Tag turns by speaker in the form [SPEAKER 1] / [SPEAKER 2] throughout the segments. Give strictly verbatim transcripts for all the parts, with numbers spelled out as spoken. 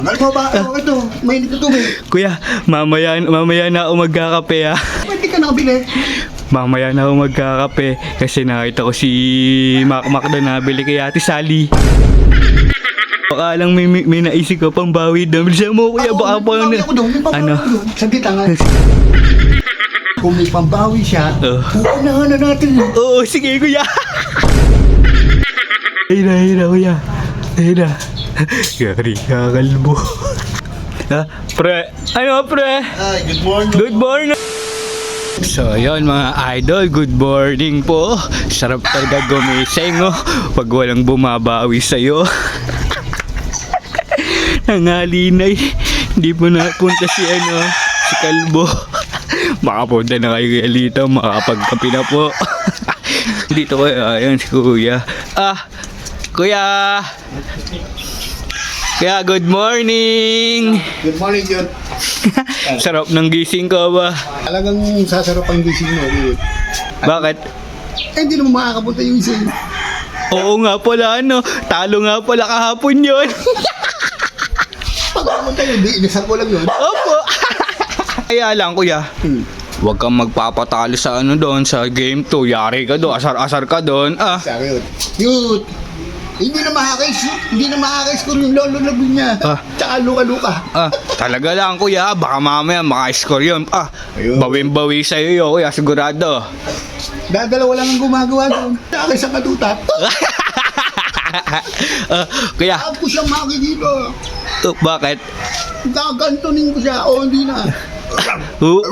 [SPEAKER 1] Ano mo ba? Ano ito? Mainit na tubig.
[SPEAKER 2] Kuya, mamaya, mamaya na ako magkakape ah.
[SPEAKER 1] Pwede ka nakabili.
[SPEAKER 2] Mamaya na ako magkakape kasi nakita ko si Mac Mac doon nabili kay Ate Sally. Baka lang may, may, may naisip ko pang bawi doon. Bilisan mo kuya, baka pa
[SPEAKER 1] May pambawi ako doon. May pambawi
[SPEAKER 2] Ano?
[SPEAKER 1] ako doon. Saglit lang ha. Kung may pambawi siya,
[SPEAKER 2] Oh.
[SPEAKER 1] uunahan na natin.
[SPEAKER 2] Oo, sige kuya. Ayun na, ayun na kuya. Ayun na. Gari kakalbo. Ah, pre. Ano pre?
[SPEAKER 1] Ay, good morning.
[SPEAKER 2] Good morning. So yun mga idol, good morning po. Sarap talaga gumising oh, pag walang bumabawi sa'yo. Nangalinay, hindi po napunta si ano, si Kalbo. Makapunta na kayo kaya dito, makapagkapi na po. Dito ko, ayun si Kuya. Ah, Kuya! Kuya, good morning!
[SPEAKER 1] Good morning, Jun.
[SPEAKER 2] Sarap ng gising ko ba?
[SPEAKER 1] Talagang sasarap ang gising mo, Jun.
[SPEAKER 2] Bakit?
[SPEAKER 1] Eh, hindi naman makakapunta yung isa.
[SPEAKER 2] Oo nga pala ano, talo nga pala kahapon yun.
[SPEAKER 1] Pag pumunta yun, di inasar ko lang yun.
[SPEAKER 2] Opo. Kaya lang kuya,
[SPEAKER 1] Hmm.
[SPEAKER 2] huwag kang magpapatalo sa ano doon, sa game two. Yari ka doon, asar-asar ka doon. Ah,
[SPEAKER 1] Sabi yun. Yun. Hindi na makakais, hindi na makakais ko yung lolo labi niya.
[SPEAKER 2] Ah.
[SPEAKER 1] Tsaka luka-luka.
[SPEAKER 2] ah, talaga lang kuya, baka mamaya maka-score yun. Ah,
[SPEAKER 1] Ayun.
[SPEAKER 2] bawin-bawi sa'yo yun kuya, sigurado.
[SPEAKER 1] Dadalawa lang ang gumagawa doon. Tsaka sa katutat.
[SPEAKER 2] Ah, kuya,
[SPEAKER 1] Ako siyang makikita.
[SPEAKER 2] uh, bakit?
[SPEAKER 1] Gagantunin ko siya. O, hindi na.
[SPEAKER 2] Uh,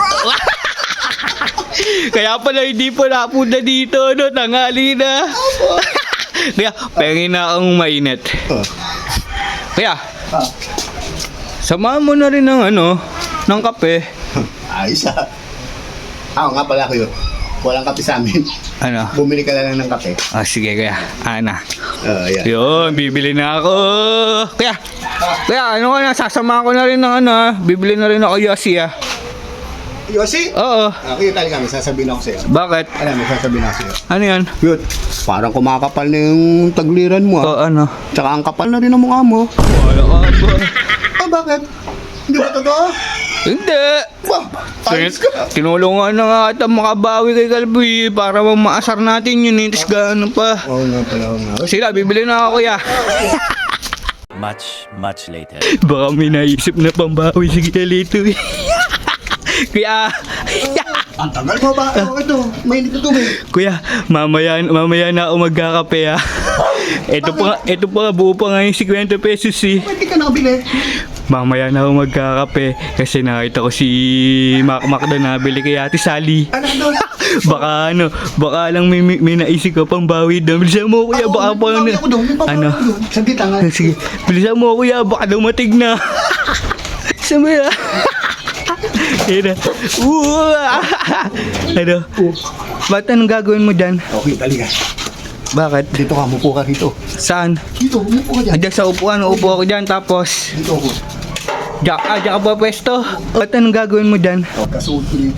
[SPEAKER 2] kaya pala hindi po napunta dito, no? Tanghali na. Kaya, pengin na akong mainit.
[SPEAKER 1] Oh.
[SPEAKER 2] Kaya,
[SPEAKER 1] Ah.
[SPEAKER 2] samahan mo na rin ng ano, ng kape.
[SPEAKER 1] Ayos ah. Ah, nga pala kayo. Walang kape sa amin.
[SPEAKER 2] Ano?
[SPEAKER 1] Bumili ka lang ng kape.
[SPEAKER 2] Ah, sige kaya. Ana.
[SPEAKER 1] Oh, yeah.
[SPEAKER 2] Yun, bibili na ako. Kaya, kaya ano ka na, sasama ko na rin ng ano, ah. Bibili na rin ako Yossi ah.
[SPEAKER 1] Yossi?
[SPEAKER 2] Oo.
[SPEAKER 1] Ah, kita talaga, may sasabihin ako sa'yo.
[SPEAKER 2] Bakit?
[SPEAKER 1] Alam, may sasabihin ako sa'yo.
[SPEAKER 2] Ano yan?
[SPEAKER 1] Yun. Parang kumakapal na yung tagliran mo
[SPEAKER 2] O
[SPEAKER 1] ah.
[SPEAKER 2] ano?
[SPEAKER 1] Tsaka ang kapal na rin ang mukha mo.
[SPEAKER 2] Wala ka ba?
[SPEAKER 1] Ah, bakit? Hindi ba totoo?
[SPEAKER 2] Hindi.
[SPEAKER 1] Ba, ayos ka.
[SPEAKER 2] Tinulungan na nga ata makabawi kay Kalbi para maasar natin yun eh. Tapos gaano pa.
[SPEAKER 1] Oo nga pala, oo nga.
[SPEAKER 2] Sila, bibili na ako kuya.
[SPEAKER 3] Much, much later.
[SPEAKER 2] Baka may naisip na pambawi si Galito eh. Kuya,
[SPEAKER 1] Ang tagal mo ba? Ano ito? Mainit na tubig.
[SPEAKER 2] kuya, mamaya, mamaya na ako magkakape ah. Ito pa, ito pa, buo pa nga yung fifty pesos eh.
[SPEAKER 1] Pwede ka nakabili.
[SPEAKER 2] Mamaya na ako magkakape kasi nakita ko si Mac Mac doon nabili kay Ate Sally.
[SPEAKER 1] Ano doon?
[SPEAKER 2] Baka ano, baka lang may, may, may naisip ko pang bawi doon. Bilisan mo kuya, baka pa
[SPEAKER 1] May pambawi ako doon. May pambawi
[SPEAKER 2] Ano?
[SPEAKER 1] ako doon. Saglit lang ha.
[SPEAKER 2] Sige, bilisan mo kuya, baka dumating na. Sabi ah. Ayun na. Uh, ano? Ba't anong gagawin mo dyan?
[SPEAKER 1] Okay, talaga.
[SPEAKER 2] Bakit?
[SPEAKER 1] Dito ka, mupo ka dito.
[SPEAKER 2] Saan?
[SPEAKER 1] Dito, mupo ka dyan.
[SPEAKER 2] Andiyan sa upuan, upo ako dyan, tapos
[SPEAKER 1] Dito ako.
[SPEAKER 2] Diyak, ah, diyak ka ba pwesto? Ba't anong gagawin mo dyan?
[SPEAKER 1] Oh, kasuot ko dito.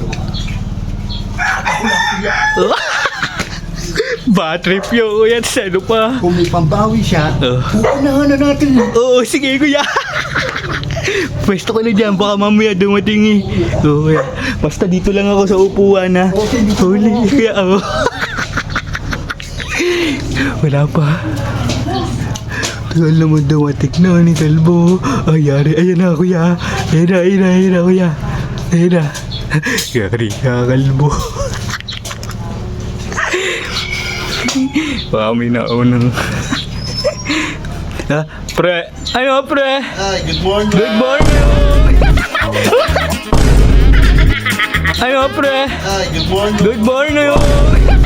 [SPEAKER 2] Bad trip yun kuya, tas ano pa?
[SPEAKER 1] Kung may pambawi siya,
[SPEAKER 2] Oh.
[SPEAKER 1] uunahan na natin.
[SPEAKER 2] Oo, sige kuya. Pwesto ko na dyan, baka mamaya dumating eh. Oo kuya, basta dito lang ako sa upuan ha.
[SPEAKER 1] Okay, dito
[SPEAKER 2] Huli,
[SPEAKER 1] ako.
[SPEAKER 2] kuya ako. Wala pa. Tagal naman dumating na ni Kalbo. Ay, yari, ayan na kuya. Ayan na, ayan na, ayan na kuya. Ayan na. Yari ka Kalbo. Baka may naunang. Ah, pre. Ano pre?
[SPEAKER 1] Ay, good morning.
[SPEAKER 2] Good morning! Ano pre?
[SPEAKER 1] Ay, good morning.
[SPEAKER 2] Good morning!